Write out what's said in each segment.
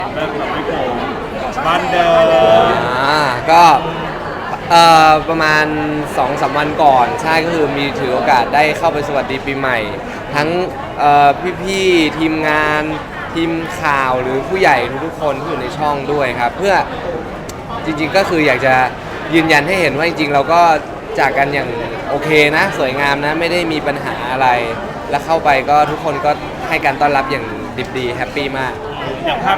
เริ่มกับพี่โกบ้านเดิมก็ประมาณ 2-3 วันก่อนใช่ก็คือมีถือโอกาสได้เข้าไปสวัสดีปีใหม่ทั้งพี่ๆทีมงานทีมข่าวหรือผู้ใหญ่ทุกๆคนที่อยู่ในช่องด้วยครับเพื่อจริงๆก็คืออยากจะยืนยันให้เห็นว่าจริงๆเราก็จากกันอย่างโอเคนะสวยงามนะไม่ได้มีปัญหาอะไรแล้วเข้าไปก็ทุกคนก็ให้การต้อนรับอย่างดิบดีแฮปปี้มากอย่างภาพ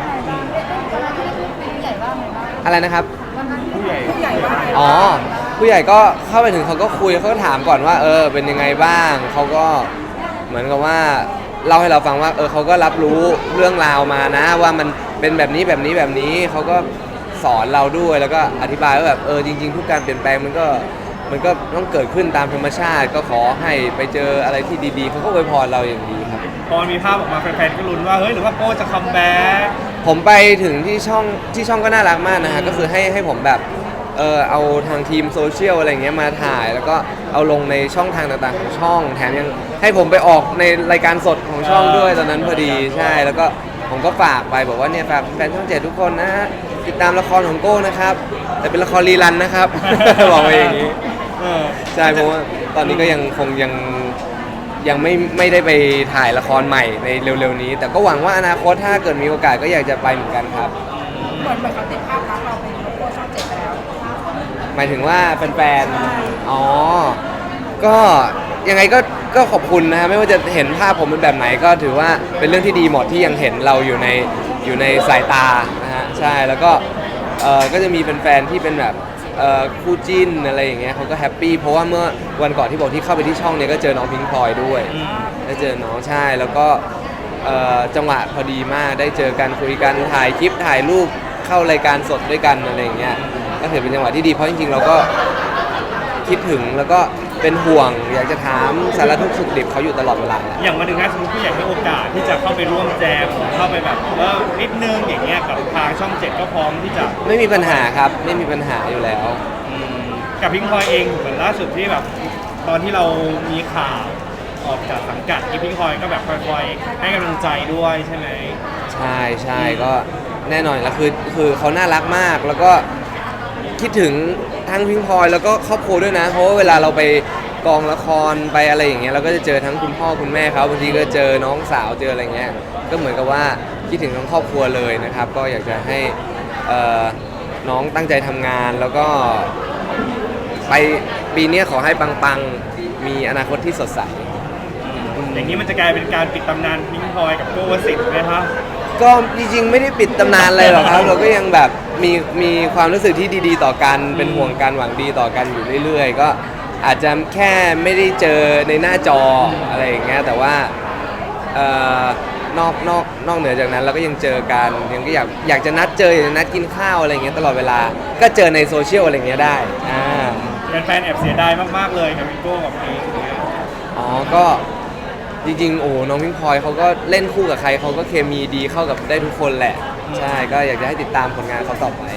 อะไรนะครับผู้ใหญ่อ๋อผู้ใหญ่ก็เข้าไปถึงเขาก็คุยเขาก็ถามก่อนว่าเป็นยังไงบ้างเขาก็เหมือนกับว่าเล่าให้เราฟังว่าเขาก็รับรู้เรื่องราวมานะว่ามันเป็นแบบนี้แบบนี้แบบนี้เขาก็สอนเราด้วยแล้วก็อธิบายว่าแบบจริงๆทุกการเปลี่ยนแปลงมันก็ต้องเกิดขึ้นตามธรรมชาติก็ขอให้ไปเจออะไรที่ดีๆเขาก็อวยพรเราอย่างดีครับพอมีภาพออกมาแฟนๆก็ลุ้นว่าเฮ้ยหรือว่าโก้จะคัมแบ็กผมไปถึงที่ช่องก็น่ารักมากนะฮะก็คือให้ผมแบบเอาทางทีมโซเชียลอะไรเงี้ยมาถ่ายแล้วก็เอาลงในช่องทางต่างๆของช่องแถมยังให้ผมไปออกในรายการสดของช่องด้วยตอนนั้นพอดีใช่แล้วก็ผมก็ฝากไปบอกว่าเนี่ยฝากแฟนช่อง7ทุกคนนะติดตามละครของโก้นะครับแต่เป็นละครรีรันนะครับ บอกไปอย่างนี้ใช่เพราะว่าตอนนี้ก็ยังไม่ได้ไปถ่ายละครใหม่ในเร็วๆนี้แต่ก็หวังว่าอนาคตถ้าเกิดมีโอกาสก็อยากจะไปเหมือนกันครับเหมือนเขาติดภาพลักษณ์เราเป็นโลโก้ช่อง7ไปแล้วหมายถึงว่าแฟนๆอ๋อก็ยังไงก็ขอบคุณนะฮะไม่ว่าจะเห็นภาพผมเป็นแบบไหนก็ถือว่าเป็นเรื่องที่ดีหมดที่ยังเห็นเราอยู่ในสายตานะฮะใช่แล้วก็จะมีแฟนๆที่เป็นแบบคู่จิ้นอะไรอย่างเงี้ยเขาก็แฮปปี้เพราะว่าเมื่อวันก่อนที่บอกที่เข้าไปที่ช่องเนี่ยก็เจอน้องพิงค์พลอยด้วยได้เจอน้องใช่แล้วก็จังหวะพอดีมากได้เจอกันคุยกันถ่ายคลิปถ่ายรูปเข้ารายการสดด้วยกันอะไรอย่างเงี้ยก็ถือเป็นจังหวะที่ดีเพราะจริงๆเราก็คิดถึงแล้วก็เป็นห่วงอยากจะถามสารทุกข์สุขดิบเขาอยู่ตลอดเวลาอย่างวันหนึ่งนะสมมติผู้ใหญ่ให้โอกาสที่จะเข้าไปร่วมแจมเข้าไปแบบนิดนึงอย่างเงี้ยกับทางช่อง7ก็พร้อมที่จะไม่มีปัญหาครับไม่มีปัญหาอยู่แล้วกับพิงพลอยเองเหมือนล่าสุดที่แบบตอนที่เรามีข่าวออกจากสังกัดพิงพลอยก็แบบคอยให้กำลังใจด้วยใช่ไหมใช่ก็แน่นอนแล้วคือเขาน่ารักมากแล้วก็คิดถึงทั้งพิงพลอยแล้วก็ครอบครัวด้วยนะเพราะว่าเวลาเราไปกองละครไปอะไรอย่างเงี้ยเราก็จะเจอทั้งคุณพ่อคุณแม่เขาบางทีก็เจอน้องสาวเจออะไรเงี้ยก็เหมือนกับว่าคิดถึงทั้งครอบครัวเลยนะครับก็อยากจะให้น้องตั้งใจทำงานแล้วก็ไปปีนี้ขอให้ปังๆมีอนาคตที่สดใสอย่างนี้มันจะกลายเป็นการปิดตำนานพิงพลอยกับโก้วสิทธิ์ไหมครับก็จริงๆไม่ได้ปิดตำนานอะไรหรอกครับเราก็ยังแบบมีความรู้สึกที่ดีๆต่อกันเป็นห่วงกันหวังดีต่อกันอยู่เรื่อยๆก็อาจจะแค่ไม่ได้เจอในหน้าจออะไรอย่างเงี้ยแต่ว่านอกเหนือจากนั้นเราก็ยังเจอกันยังก็อยากจะนัดเจออยากจะนัดกินข้าวอะไรอย่างเงี้ยตลอดเวลาก็เจอในโซเชียลอะไรอย่างเงี้ยได้แฟนๆแอบเสียดายมากๆเลยกับพี่โก้กับเพลงอ๋อก็จริงๆโอ้น้องพิงพลอยเขาก็เล่นคู่กับใครเขาก็เคมีดีเข้ากับได้ทุกคนแหละใช่ก็อยากจะให้ติดตามผลงานเขาต่อไป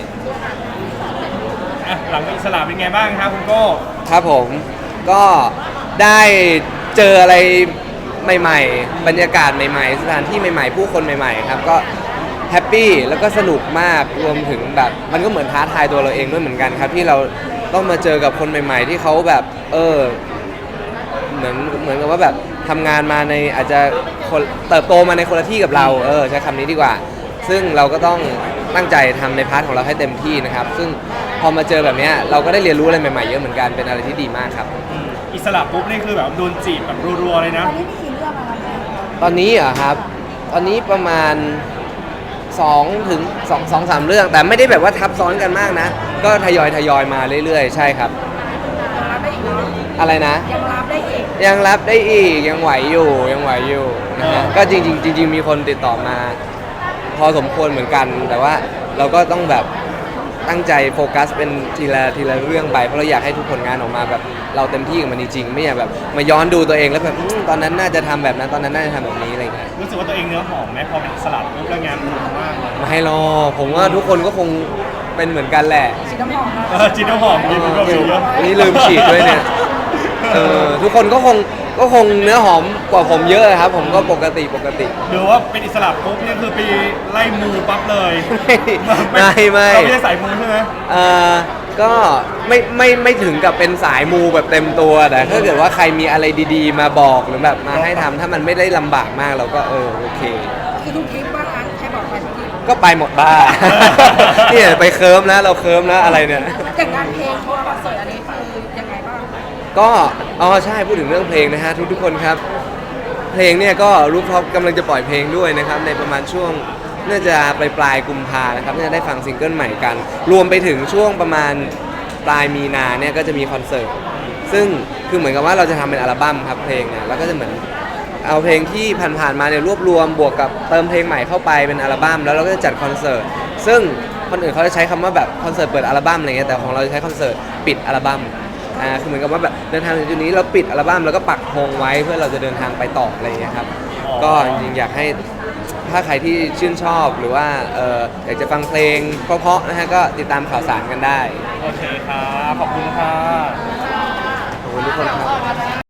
หลังอิสระเป็นไงบ้างครับคุณโก้ครับผมก็ได้เจออะไรใหม่ๆบรรยากาศใหม่ๆสถานที่ใหม่ๆผู้คนใหม่ๆครับก็แฮปปี้แล้วก็สนุกมากรวมถึงแบบมันก็เหมือนท้าทายตัวเราเองด้วยเหมือนกันครับที่เราต้องมาเจอกับคนใหม่ๆที่เขาแบบเหมือนกับว่าแบบทำงานมาในอาจจะเติบโตมาในคนละที่กับเราใช้คำนี้ดีกว่าซึ่งเราก็ต้องตั้งใจทำในพาร์ทของเราให้เต็มที่นะครับซึ่งพอมาเจอแบบนี้เราก็ได้เรียนรู้อะไรใหม่ๆเยอะเหมือนกันเป็นอะไรที่ดีมากครับอิสระปุ๊บนี่คือแบบโดนจีบแบบรัวๆเลยนะตอนนี้เหรอครับตอนนี้ประมาณ2 ถึง 2-3 เรื่องแต่ไม่ได้แบบว่าทับซ้อนกันมากนะก็ทยอยมาเรื่อยๆใช่ครับอะไรนะยังรับได้อีกยังไหวอยู่นะฮะก็จริงมีคนติดต่อมาพอสมควรเหมือนกันแต่ว่าเราก็ต้องแบบตั้งใจโฟกัสเป็นทีละเรื่องไปเพราะเราอยากให้ทุกผลงานออกมาแบบเราเต็มที่กับมันจริงๆไม่อยากแบบมาย้อนดูตัวเองแล้วแบบตอนนั้นน่าจะทำแบบนั้นตอนนั้นน่าจะทำแบบนี้อะไรเงี้ยรู้สึกว่าตัวเองเนื้อหอมไหมพอเป็นสลัดรูปแล้วงานมันมากไม่ให้รอผมว่าทุกคนก็คงเป็นเหมือนกันแหละฉีดน้ำหอมฉีดน้ำหอมดีมันก็มีเยอะนี่ลืมฉีดด้วยเนี่ยทุกคนก็คงก็คงเนื้อหอมกว่าผมเยอะครับผมก็ปกติหรือว่าเป็นอิสระปุ๊บเนี่ยคือไปไล่มูปั๊บเลยไม่เราไม่ใช่สายมูใช่ไหมก็ไม่ถึงกับเป็นสายมูแบบเต็มตัวแต่ถ้าเกิดว่าใครมีอะไรดีๆ มาบอกหรือแบบมาให้ทำถ้ามันไม่ได้ลำบากมากเราก็โอเคคือทุกทริปว่างั้นใครบอกไปทุกทริปก็ไปหมดบ้า เนี่ยไปเคิร์มแล้วเราเคิร์มแล้วอะไรเนี่ยอย่างงานเพลงทัวร์คอนเสิร์ตอันนี้คือยังไงบ้างก็ใช่พูดถึงเรื่องเพลงนะฮะทุกคนครับ เพลงเนี่ยก็รูปท็อปกำลังจะปล่อยเพลงด้วยนะครับในประมาณช่วงน่าจะปลายกุมภานะครับน่าจะได้ฟังซิงเกิลใหม่กัน รวมไปถึงช่วงประมาณปลายมีนาเนี่ยก็จะมีคอนเสิร์ตซึ่งคือเหมือนกับว่าเราจะทำเป็นอัลบั้มครับเพลงเนี่ยแล้วก็จะเหมือนเอาเพลงที่ผ่านๆมาเนี่ยรวบรวมบวกกับเติมเพลงใหม่เข้าไปเป็นอัลบั้มแล้วเราก็จะจัดคอนเสิร์ตซึ่งคนอื่นเขาจะใช้คำว่าแบบคอนเสิร์ตเปิดอัลบั้มอะไรเงี้ยแต่ของเราจะใช้คอนเสิร์ตปิดอัลบั้มคือเหมือนกับว่าแบบเดินทางถึงจุดนี้เราปิดอัลบั้มแล้วก็ปักธงไว้เพื่อเราจะเดินทางไปต่ออะไรอย่างเงี้ยครับก็จริงๆอยากให้ถ้าใครที่ชื่นชอบหรือว่าอยากจะฟังเพลงเพราะๆนะฮะก็ติดตามข่าวสารกันได้โอเคครับขอบคุณค่ะ